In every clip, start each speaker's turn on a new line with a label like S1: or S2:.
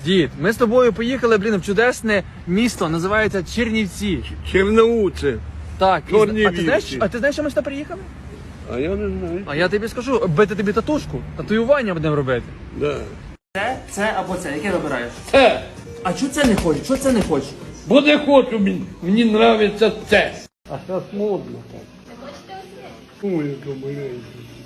S1: Дід, ми з тобою поїхали, в чудесне місто, називається Чернівці.
S2: Черноуце.
S1: Так,
S2: Чернівці.
S1: а ти знаєш, що ми сюди приїхали?
S2: А я не знаю.
S1: А я тобі скажу, бити тобі татушку, татуювання будемо робити.
S2: Да.
S1: Це або це, яке вибираєш?
S2: Це.
S1: А чого це не хочеш? Чого це не хочеш?
S2: Бо не хочу, мені нравиться це. А зараз модно так. Ой, яка маленька.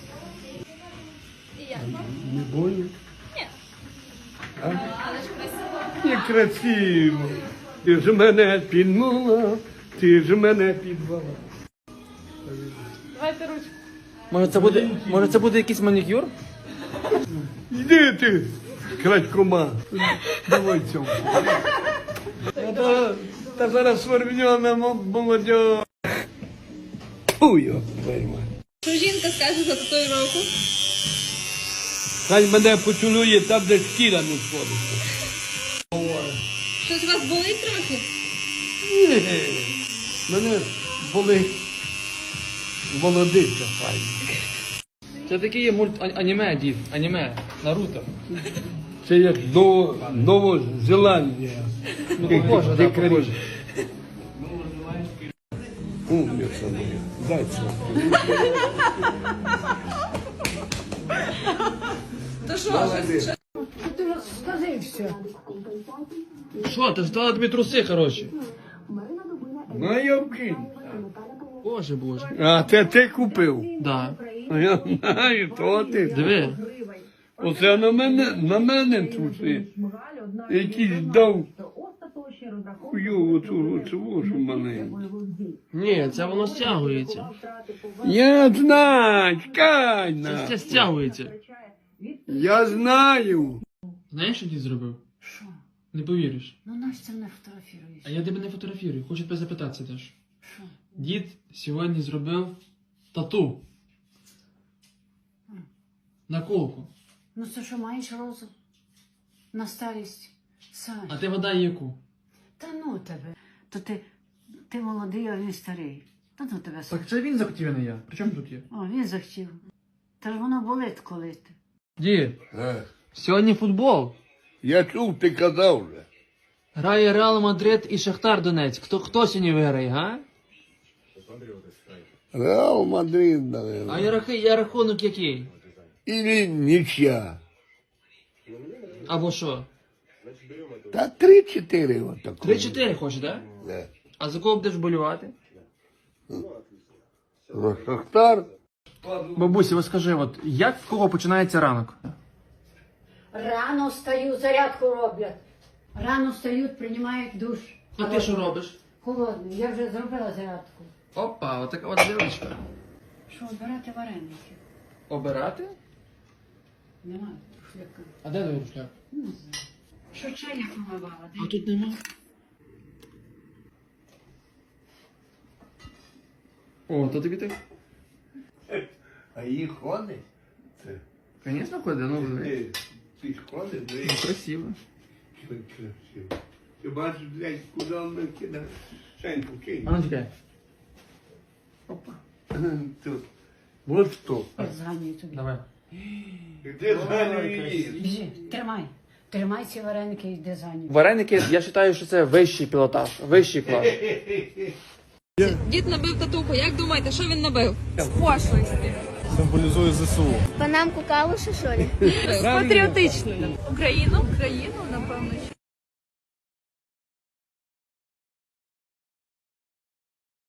S2: Не больно? Ні. Але ж красиво. Не красиво. Ти ж мене підмала, ти ж мене підвала.
S3: Давайте ручку.
S1: Може це буде якийсь манікюр?
S2: Йди ти, крадькома. Давай цьому. Та зараз свербньона молодь. Ой, пойма.
S3: Що жінка скаже за татуїровку?
S2: Хай мене поцілує там, де шкіра не сходиться.
S3: Щось у вас болить трохи?
S2: Ні, мене болить молодиця файна.
S1: Це такий є аніме, дід, аніме, Наруто.
S2: Це як Новозеландія.
S1: Ну, похоже, да, похоже.
S2: Умниця моя. Дай це.
S3: То що?
S1: Що, ти ж дала тобі труси, хороші?
S2: Моя вкинь.
S1: Боже.
S2: А це ти купив?
S1: Да.
S2: А я знаю, то ти.
S1: Диви.
S2: Оце на мене труси. Якийсь дав хуйову цю маленьку.
S1: Ні, це воно стягується.
S2: Я знаю, чекай
S1: Це стягується.
S2: Я знаю.
S1: Знаєш, що дід зробив? Не повіриш.
S4: Ну, Настя не фотографіруєш.
S1: А я тебе не фотографірую, хочу тебе запитатися теж.
S4: Що?
S1: Дід сьогодні зробив тату. На колку.
S4: Ну, це що, маєш розум? На старість? Сань.
S1: А ти вода яку?
S4: Та ну тебе. То ти молодий, а він старий. Та ну тебе, Сань.
S1: Так це він захотів, а не я. При чому тут є?
S4: О, він захотів. Та ж воно болить коли ти.
S1: Дід, сьогодні футбол.
S2: Я чув, ти казав вже.
S1: Грає Реал Мадрид і Шахтар Донецьк. Хто сьогодні виграє, га?
S2: Реал Мадрид, наверное.
S1: А рахунок який?
S2: Или нічия.
S1: Або що?
S2: Та 3-4 отако.
S1: 3-4 хочеш, так?
S2: Да.
S1: А за кого будеш болювати?
S2: Шахтар.
S1: Бабусі, ось скажи, от як в кого починається ранок?
S4: Рано встаю, зарядку роблять. Рано встають, приймають душ.
S1: А ти що робиш?
S4: Холодний. Я вже зробила зарядку.
S1: Опа, отака от дівчинка.
S4: Що, обирати вареники?
S1: Обирати?
S4: Немає шляка.
S1: А де твій рушляк?
S4: Не знаю. Що чайник помивала?
S1: А тут нема. О, то тобі так?
S2: А їх ходить? Це.
S1: Звісно, ходить, ну
S2: Ти ж ходиш,
S1: ну, красиво.
S2: красиво. Ти бачиш, блядь, куди він кидає? Шеньку кинь.
S1: А ну чекай. Опа.
S2: Тут. Вот що.
S4: Я зганюю тобі.
S1: Давай.
S2: Де зганюєш?
S4: Біжи, тримай. Тримай ці вареники і йди за ним.
S1: Вареники, я вважаю, що це вищий пілотаж, вищий клас.
S3: Дід набив татуху. Як думаєте, що він набив? З пошлості.
S5: Символізує ЗСУ.
S6: Панамку калуша, що ли?
S3: З патріотичною. Україну, напевно,